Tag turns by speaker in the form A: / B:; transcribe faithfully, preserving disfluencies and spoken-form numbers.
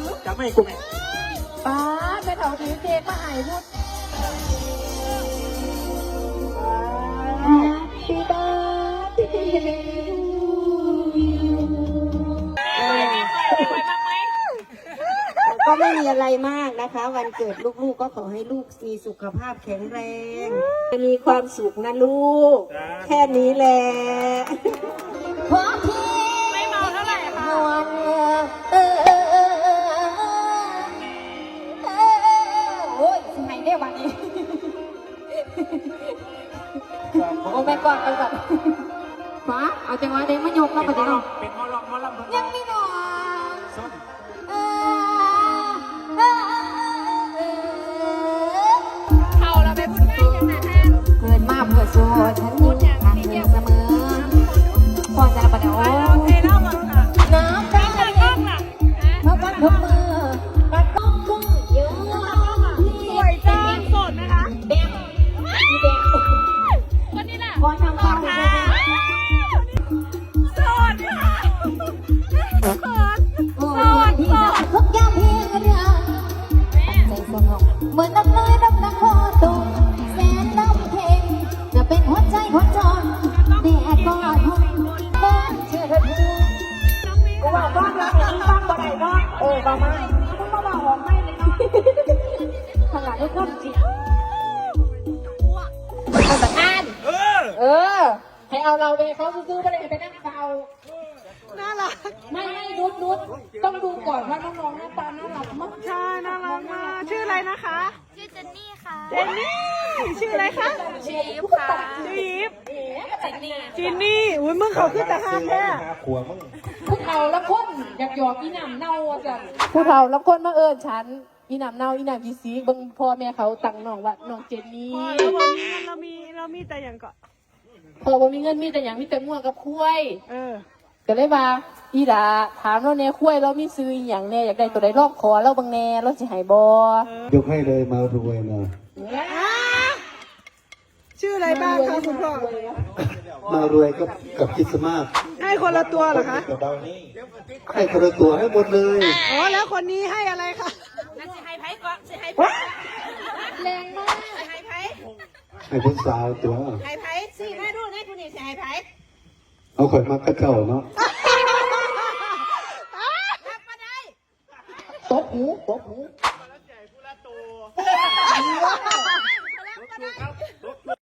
A: จะไม่กูแม่
B: ป้าแม่เฒ่าถือเค้กมาให้พูดพี่บ้าก็ไม่มีอะไรมากนะคะวันเกิดลูกๆก็ขอให้ลูกมีสุขภาพแข็งแรงมีความสุขนะลูกแค่นี้แหละพอพี่ไม่เมาเท่าไหร่ค่ะเออเออเออเออโอ้ยสิไหนได้วันนี้โอ้แม่ก่อนไปก่อนฟ้าเอาจังหวะเด็กมายกมาประเดี๋ยว
A: เป็นมอลล์มอลล์
B: ยังไม่นอนเขาเราไปพูดง่ายอย่างนั้นเกินมากเพื่อโซ่ฉันยิ่งทางเธอเสมอพอจะประเดี๋ยวน้ำตาเย็นเมื่อวันทุกมือรักต้องกุ้งเยอะสวยจังสดนะคะแดงแดงคนนี้แหละขอทำข้าวค่ะสดค่ะสดสดสดทุกอย่างเพียงเรื่องใจสงบเหมือนน้ำเลยน้ำน้ำคอตุ่มแสนน้ำเพลงจะเป็นหัวใจหัวจอนแดดก็ทุ่มบ้านเชื่อเธอกูว่าบ้านรักมึงบ้านบ่ได้เนาะเออบ้ามามึงมาบ้าหอมไม่เลยเนาะขนาดให้คนจิตเอาแต่อ่านเออเออให้เอาเราไปเขาซื้อไปเลยไปนั่งเฝ้าน่ารักไม่ไม่นุชนุชต้องดูก่อนว่าน้องๆหน้าตาน่ารักมาก
C: ใช่น่ารักมากชื่ออะไรนะคะ
D: ชื่อเจนนี่ค่ะ
C: เจนนี่ชื่ออะไรคะ
D: ชื่อยิปค่ะ
C: ชื่อยิป
D: เจนนี่
C: เจนนี่อุ้ยมึงเขาขึ้นแต่ห้างแค่
A: ขัวมึง
B: ผู้เฒ่าละคนอยากหยอกอีหนำเน่าจังผู้เฒ่าละคนมาเอิญฉันอีหนำเน่าอีหนำยีซีบังพ่อแม่เขาตั้งน้องว่าน้องเจนนี่
C: พอแล้วพอมีเรามีเรามีแต่อย่างก็
B: พอบ่มีเงินมีแต่อย่างมีแต่ม่วงกับคุ้ย
C: เออ
B: ก็เลยว่าอีดาถามเราเนี่ยคุ้ยเรามีซื้ออย่างแน่อยากได้ตัวใดรอบคอเราบางแน่เราสิหายบ
E: อยกให้เลยมารวยมา
C: ชื่ออะไรบ้างคะคุณพ่อ
E: มารวยก็กับคริสต์มาส
C: ให้คนละตัวเหรอคะ
E: ให้คนละตัวให้หมดเลย
C: อ๋อแล้วคนนี้ให้อะไรคะ
D: นั่นสิให้ไพ่ก่อนสิให้ไพ่
B: แรงมาก
D: ให้ไพ่
E: ให้ผู้สาวตัว
D: ให้ไพ่สิแม่ดูให้คุณนี่สิให้ไพ่
E: เอาข่อยมากระเจ้าเนาะ
D: รับมาได้
B: ตบหูตบหู